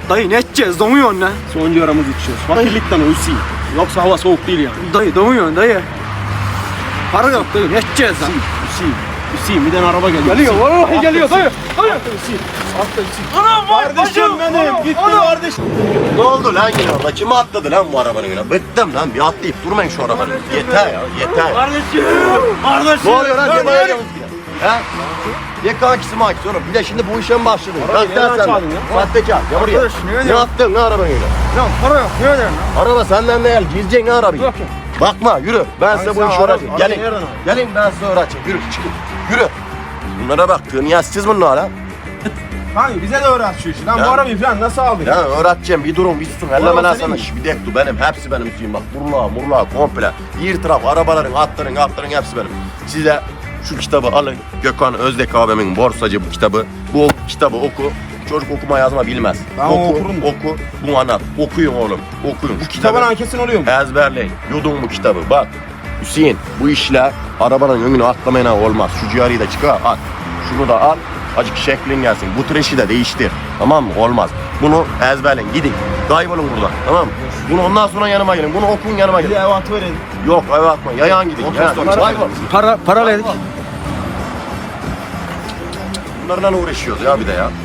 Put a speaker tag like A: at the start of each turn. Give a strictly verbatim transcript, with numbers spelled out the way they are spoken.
A: Dayı ne edeceğiz? Donuyorsun lan.
B: Son yaramızı içiyoruz. Fakirlikten o Hüseyin. Yoksa hava soğuk değil yani.
A: Dayı donuyorsun dayı. Para yok dayı ne edeceğiz lan?
B: Hüseyin, Hüseyin bir tane araba geliyor.
A: Geliyor vallahi geliyor dayı. Dayı.
B: Hüseyin. Altta Hüseyin.
A: Anam vay
B: Kardeşim benim. Gitti kardeşim.
C: Ne oldu lan yine orada? Kim atladı lan bu arabanın yine? Bıktım lan, bir atlayıp durmayın şu arabanın. Yeter ya, yeter.
A: Kardeşim. Kardeşim.
C: Ne oluyor lan? Ne bağırıyorsunuz yine? He? Ye kankisi makisi oğlum. Bir de şimdi bu işe mi başladın?
B: Arabayı
C: Kalk
B: nereden
C: lan sen.
B: çaldın ya?
C: Sahtekar. Ya buraya.
A: Arkadaş, ne
C: Ne
A: ediyorsun?
C: attın ne arabanın yine?
A: Lan para yok ne ödeyim lan?
C: Araba senden değil. Gireceksin arabayı.
A: Yok ya.
C: Bakma yürü. Ben size bu
B: sen
C: işi
B: araba-
C: öğreteceğim.
B: arabayı
C: Gelin.
B: nereden aldın?
C: Gelin ben size öğreteceğim. Yürü çıkın. Yürü. Bunlara bak. Tığniyazsız bunlar ha.
B: Kanka bize de öğret şu işi. Lan
C: Ya.
B: bu arabayı falan nasıl aldın?
C: Ya öğreteceğim bir durun bir susun. Elleme
B: araba
C: lan
B: senin
C: sana.
B: mi?
C: Şş, bir dakika benim. Hepsi benim Hüseyin bak. Burla murla komple. Bir taraf arabaların, atların, atların hepsi benim. Size şu kitabı alın. Gökhan Özdek abimin Borsacı bu kitabı. Bu kitabı oku. Çocuk okuma yazma bilmez.
B: Ben
C: oku,
B: okurum da.
C: oku. Bunu anlat. Okuyun oğlum. Okuyun.
B: Bu kitabın ankesin oluyor mu?
C: Ezberleyin. Yudun bu kitabı. Bak. Hüseyin bu işler arabanın önüne atlamayla olmaz. Şu ciğeri de çıkar at. Şunu da al. Acık şeklin gelsin. Bu treşi de değiştir. Tamam mı? Olmaz. Bunu ezberleyin. Gidin. Kaybolun buradan. Tamam mı? Bunu ondan sonra yanıma gelin. Bunu okuyun yanıma
B: Bir de
C: gelin.
B: ev atı verelim.
C: Yok eve atma. Yayan gidin. Yayan. Kaybol.
A: Para para verdik.
C: Bunlarla uğraşıyoruz ya bir de ya.